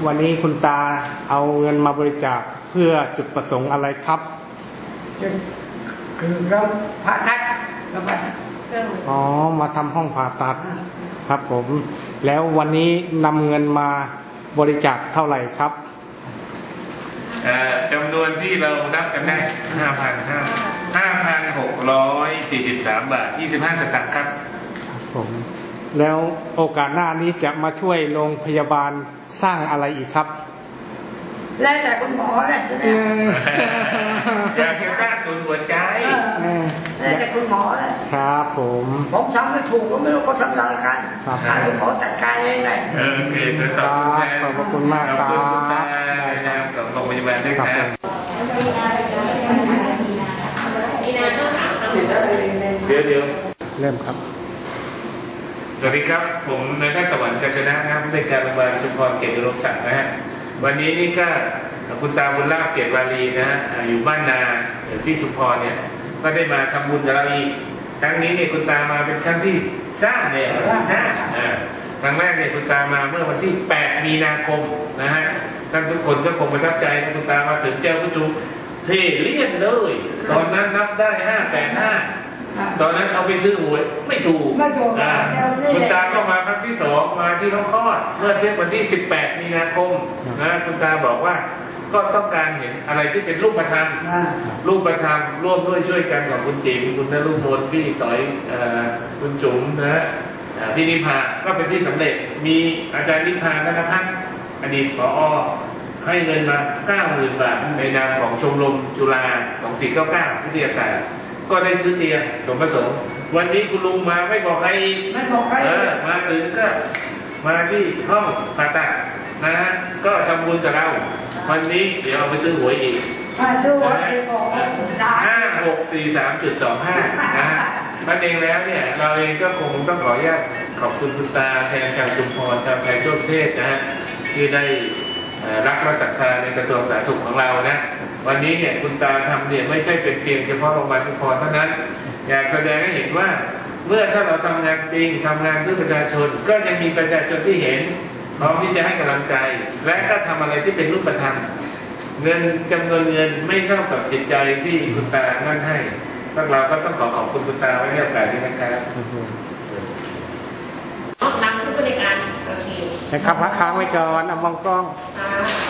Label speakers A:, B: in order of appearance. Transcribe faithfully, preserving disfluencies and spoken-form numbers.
A: วันนี้คุณตาเอาเงินมาบริจาคเพื่อจุดประสงค์อะไรครับ
B: คือเราผ่าตัดเราผ่าตัด
A: อ๋อมาทำห้องผ่าตัดครับผมแล้ววันนี้นำเงินมาบริจาคเท่าไหร่ครับ
C: จำนวนที่เรานับกันได้ห้าพันห้าห้าพันหกร้อยสี่สิบสามบาทยี่สิบห้าสตางค์ครับ
A: ครับผมแล้วโอกาสหน้านี้จะมาช่วยโรงพยาบาลสร้างอะไรอีกครับ
B: แล้วแต่คุณหมอเลย
C: อยากจะสร้างศูนย์หัวใจ
B: แล้วแต่คุณหมอเลย
A: ครับผม
B: ผมทำไม่ถูกก็ไม่รู้เขาทำอะไรกันให้คุณหมอจัดการเองเลย
C: โอเค
A: ขอบคุณมากครับ
C: กับโรงพยาบาลด้วยครับเดี๋ยวเดี๋ยว
A: เริ่มครับ
C: สวัสดีครับผมนายแพทย์ตะวันกาญจนะนะครับผู้ในการโรงพยาบาลชุมพรเขตอุดมศักดิ์นะฮะวันนี้นี่ก็คุณตาบุญลาภเกียรติวารีนะฮะอยู่บ้านนาที่ชุมพรเนี่ยก็ได้มาทำบุญกับเราอีกครั้งนี้เนี่ยคุณตามาเป็นครั้งที่สร้างเนี่ยห้าครั้งแรกเนี่ยคุณตามาเมื่อวันที่แปดมีนาคมนะฮะท่านทุกคนก็คงประทับใจนะคุณตามาถึงเจ้าผู้จูเท่เรียบเลยตอนนั้นนับได้ห้าแปดห้าตอนนั้นเอาไปซื้อหวยไม่ถูกคุณตาก็มาครั้งที่สองมาที่ห้องคลอดเมื่อเทียบวันที่สิบแปดมีนาคมนะคุณตาบอกว่าก็ต้องการเห็นอะไรที่เป็นรูปธรรมรูปธรรมร่วมด้วยช่วยกันกับคุณจิ๋มคุณนฤมลพี่ต่อยคุณจุ๋มนะพี่นิพาก็เป็นที่สำเร็จมีอาจารย์นิพาธนพัฒน์อดีตผอ.ให้เงินมา เก้าหมื่น บาทในนามของชมรมจุฬาสองสี่เก้าเก้าวิทยาศาสตร์ก็ได้ซื้อเตียงสมประสงค์วันนี้คุณลุงมาไม่บอกใคร
B: ไม่บอกใคร
C: เออมาถึงก็มาที่ห้องผ่าตัดนะฮะก็ทำบุญกับเราวันนี้เดี๋ยวเอาไปซื้อหวยอีกห้าหกสี่สามจุดสองห้านะฮะนั่นเองแล้วเนี่ยเราเองก็คงต้องขออนุญาตขอบคุณคุณตาแทนชาวชุมพรชาวไทยทั่วประเทศนะฮะที่ได้รักและศรัทธาในกระทรวงสาธารณสุขของเรานะวันนี้เนี่ยคุณตาทำเนี่ยไม่ใช่เป็นเพียงเฉพาะโรงพยาบาลชุมพรเท่านั้นอยากแสดงให้เห็นว่าเมื่อถ้าเราทำงานจริงทำงานเพื่อประชาชนก็ยังมีประชาชนที่เห็นพร้อมที่จะให้กำลังใจและก็ทำอะไรที่เป็นรูปธรรมเงินจำนวนเงินไม่เท่ากับจิตใจที่คุณตานั่นให้พวกเราก็ต้องขอขอบคุณคุณตาไว้ในโอกาสนี้นะครับ
D: นำผู้บริการโอเค
A: นะครับพักค้างไว้ก่อนเอามองกล้อง